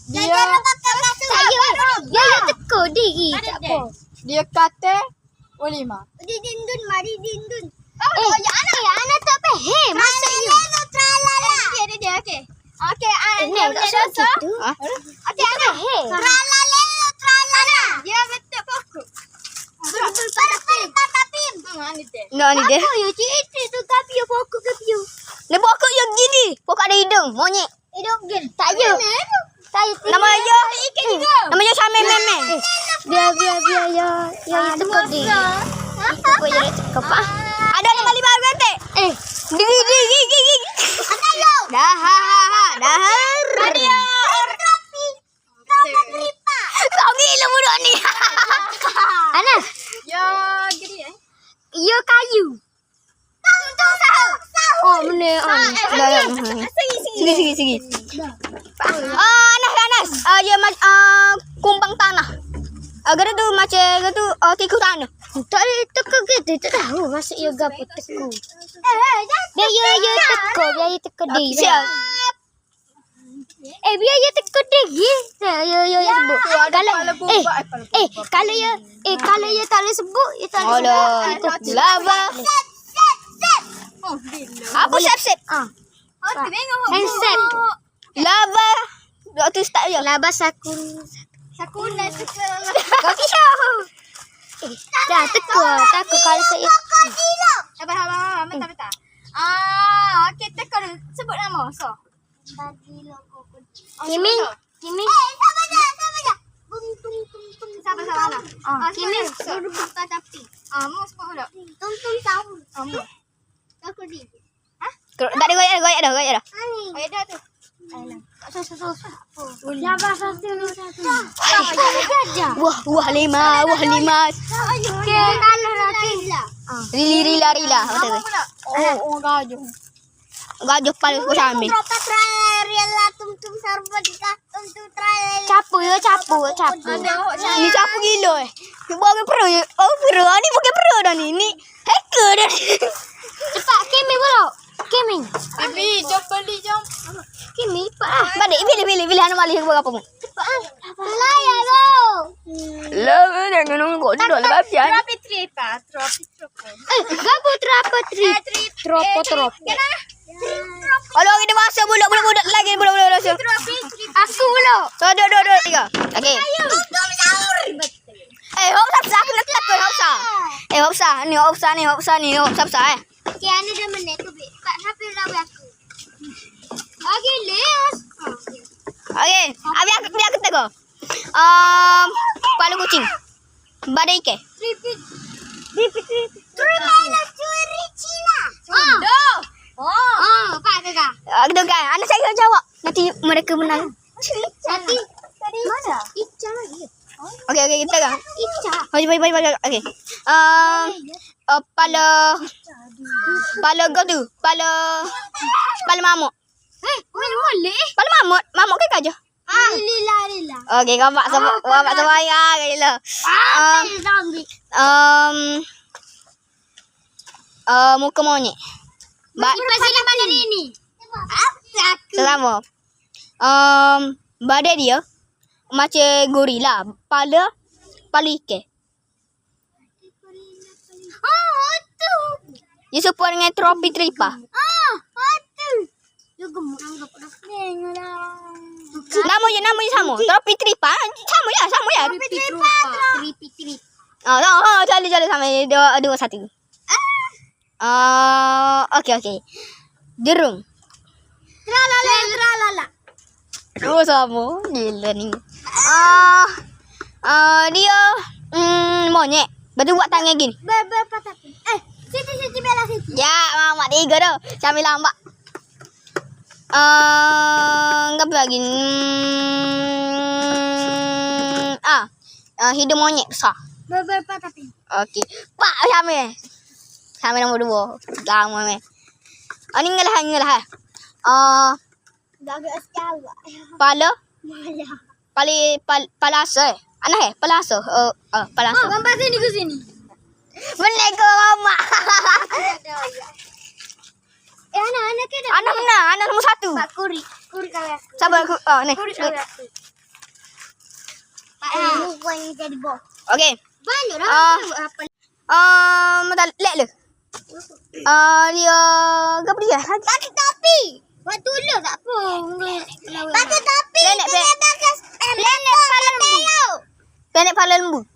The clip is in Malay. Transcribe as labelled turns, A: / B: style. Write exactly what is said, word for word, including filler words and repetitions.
A: Dia saya dia teko diri tak apa.
B: Dia kata oh lima.
C: Di dindun, mari dindun.
A: Eh, ya anak ya anak tak faham. Maksud you.
C: Tralala.
B: Dia dia dia okey. Okey, ah
A: Ini
B: dia
A: tak
B: boleh
A: sakit
B: dosa.
A: tu.
B: Okey, anak.
C: Tralala, tralala.
B: Dia betul pokok.
C: Betul pada tapim.
B: Hmm, ni dia.
D: No, ni dia.
A: Apa you cerita tu kapio pokok kapio.
D: Dia pokok yang gini. Pokok ada hidung. Monyet.
A: Hidup gin. Tak you. Saya
D: Nama dia. Nama dia Syamil Meme.
A: Biar biar biar ya ya ya teko diri. Teko ya teko pak.
D: Ada nama lima kata.
A: Eh,
D: Digi digi digi. Dah ha ha ha. Dah.
C: Dia tropi. Tropi tripa.
D: Kau gila budak ni.
A: Anas,
B: Ya, gini eh.
A: you kayu.
C: Tung sahur. Sahur.
A: Oh, mana ah.
D: Dah dah. Sigi sigi sigi. Ah, Anas Anas. Ah, dia macam ah kumbang tanah. Agar tu macam tu ah tikus tanah.
A: Tak ada teko gitu, tak tahu masuk you gapo teko.
C: Eh,
A: Biar you you teko, biar you teko diri.
D: Siap.
A: Eh, biar you teko diri. Ya, you you you sebut. Kalau eh eh kalau you eh kalau you tak boleh sebut, you tak boleh sebut.
D: Alah. Lava.
B: Oh, bila.
D: Apa sep-sep?
A: Ah,
B: Oh, tengok.
A: handset.
D: Lava. Waktu start je.
A: Labas aku.
B: Sakuna sekolah.
D: Kau kisah.
A: Eh, dah teko. Takut kalau saya
C: krokodilo.
B: Abang abang abang bentar bentar. Ah, okey tekor sebut nama. So.
C: Krokodilo, krokodilo.
B: Oh,
A: Kimin,
B: sebut, so.
A: Kimin.
C: Eh, sama je, sama je. Bum tung tung tung.
B: Sabar sabar lah.
A: Ah,
B: Kimin
C: Duduk
B: duduk
C: buka tapi.
B: Ah, mau sebut dulu.
C: Tung tung sahur.
B: Ah, mau.
C: Krokodilo.
D: Tak ada goyak dah, goyak dah, goyak dah.
C: Ani.
B: Ayah dah tu.
A: Labas satu satu.
D: Wah, wah lima, wah lima.
A: Ke kalau lagi.
D: Rili rila rila. Betul
B: Apa
D: tu.
B: pula? Oh, oh gajuh.
D: Gajah paling aku sambil.
C: Berapa tralala tum tum sarbatika tum tum tralala.
A: Capu ya, capu, capu.
B: Ada awak cakap.
D: Ni siapa gila eh? Bukan pro je. Oh, pro. Ni bukan pro dah ni. Ni hacker dah ni.
A: Cepat Kimin pula. Kimin.
B: Bibi, jom beli jom.
A: Kimin cepat ah.
D: Balik, pilih, pilih. Pilih anak malih buat apa mu?
A: Cepat ah.
C: Layar lo.
D: Lama jangan nunggu. Duduk lepas pian.
B: Tropi tripa, tropi tropi.
A: Eh, gapo trapa tri. Tropo tropo.
D: Kalau kita masa budak-budak lagi budak-budak rasa.
A: Aku pula.
D: So, duduk, duduk, duduk. Tiga. Okey.
C: Tum sahur.
D: Eh, hop sapsa. Aku nak takut hop sa. Eh, hop sa. Ni hop sa ni, hop sa ni. Hop sapsa eh.
C: Okay, anda dah menek tu. Pak siapa yang lawan aku? Okey, les.
D: Okey. Abi aku biar aku tengok. Um, kepala kucing. Badai ikan.
C: Repeat. Repeat, repeat. Tralala curi Cina.
B: Oh. Oh.
C: Oh, Pak Kakak.
D: Ah, kita kan. Anak saya kena jawab. Nanti mereka menang.
C: Nanti mana? Ica lagi.
D: Okey, okey, kita kan.
C: Ica.
D: Okey, baik, baik, baik. Okey. Um, uh, pala pala kau tu. Pala pala mamut.
A: Eh, boleh boleh.
D: Pala mamut. Mamut ke gajah?
C: Ah, lila lila.
D: Okey, kau mak sama kau mak sama ayah gila.
C: Ah,
D: Um,
C: zombie.
D: um uh, muka monyet. Ba
C: Pasal mana ni? Apa aku?
D: Selama. Um, badan dia macam gorila. Pala pala ikan.
C: Oh, tu.
D: Dia serupa dengan tropi tripa.
C: Ah, tu. Yo gemuk anggap dah lah.
D: Nama je nama je sama. Tropi tripa. Sama ya, sama ya.
C: Tripi trupa. Tripi trip.
D: Oh, oh, oh jali jali sama dua dua satu. Ah, uh, okey okey. Derung.
C: Tralala tralala.
D: Oh sama. Gila ni. Ah, uh, uh, dia mm, monyet. Betul buat tangan gini.
C: Ber berapa tapi? Eh, Siti Siti Bella Siti.
D: Ya, mak tiga dah. Sambil lambat. Ah, uh, apa lagi? Hmm, ah, uh, hidung monyet besar.
C: Ber berapa tapi?
D: Okey. Pak Syamil. Syamil nombor dua. Lama meh. Ah, ni ngalah ngalah. Ah,
C: Dah agak sekali.
D: pala,
C: Maya.
D: pali pal, palasa. Eh? Anak eh, palasa. Uh, uh, palasa.
C: Oh, gambar sini ke sini.
D: Benar ke mama?
C: Eh, anak anak ke dah.
D: Anak benar, anak nombor satu.
C: Pak Kuri. Kuri kali aku.
D: Sabar aku. Oh, ni.
C: Kuri kali aku. Ah, bukan jadi bos.
D: Okey.
C: Banyak
D: Ah.
C: dah. Apa?
D: Ah, uh, lek le. Ah, dia apa dia?
C: Pakai topi. Buat tolong tak apa. Pakai topi.
D: Planet, planet.
C: Planet Palembu.
D: Planet Pala Lembu.